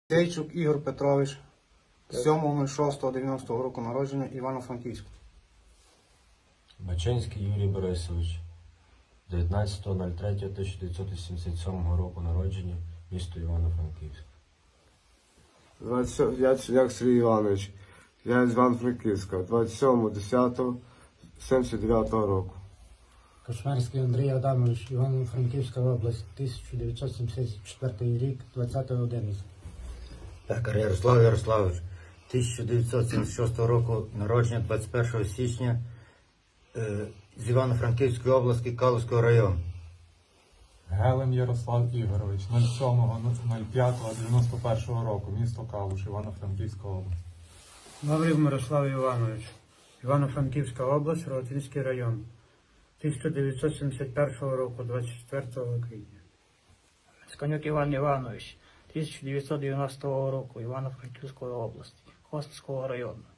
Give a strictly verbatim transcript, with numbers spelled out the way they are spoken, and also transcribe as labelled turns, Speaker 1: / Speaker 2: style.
Speaker 1: Сейчук Ігор Петрович, сьомого шостого дев'яностого року народження, Івано-Франківськ.
Speaker 2: Бачинський Юрій Борисович, дев'ятнадцятого третього тисяча дев'ятсот вісімдесят сьомого року народження, місто Івано-Франківськ.
Speaker 3: Яцюняк Сергій Іванович, я з Івано-Франківська, двадцять сьомого десятого сімдесят дев'ятого року.
Speaker 4: Кошмарський Андрій Адамович, Івано-Франківська область, тисяча дев'ятсот сімдесят четвертий рік, двадцятого одинадцятого.
Speaker 5: Пекар Ярослав Ярославович, тисяча дев'ятсот сімдесят шостого року народження, двадцять першого січня, е, з Івано-Франківської області, Калузького району.
Speaker 6: Гелем Ярослав Ігорович, сьомого п'ятого дев'яносто першого року, місто Калуш, Івано-Франківська область.
Speaker 7: Лаврів Мирослав Іванович, Івано-Франківська область, Ротинський район, тисяча дев'ятсот сімдесят першого року, двадцять четвертого квітня.
Speaker 8: Сканюк Іван Іванович, тисяча дев'ятсот дев'яностого року, Івано-Франківської області, Косівського району.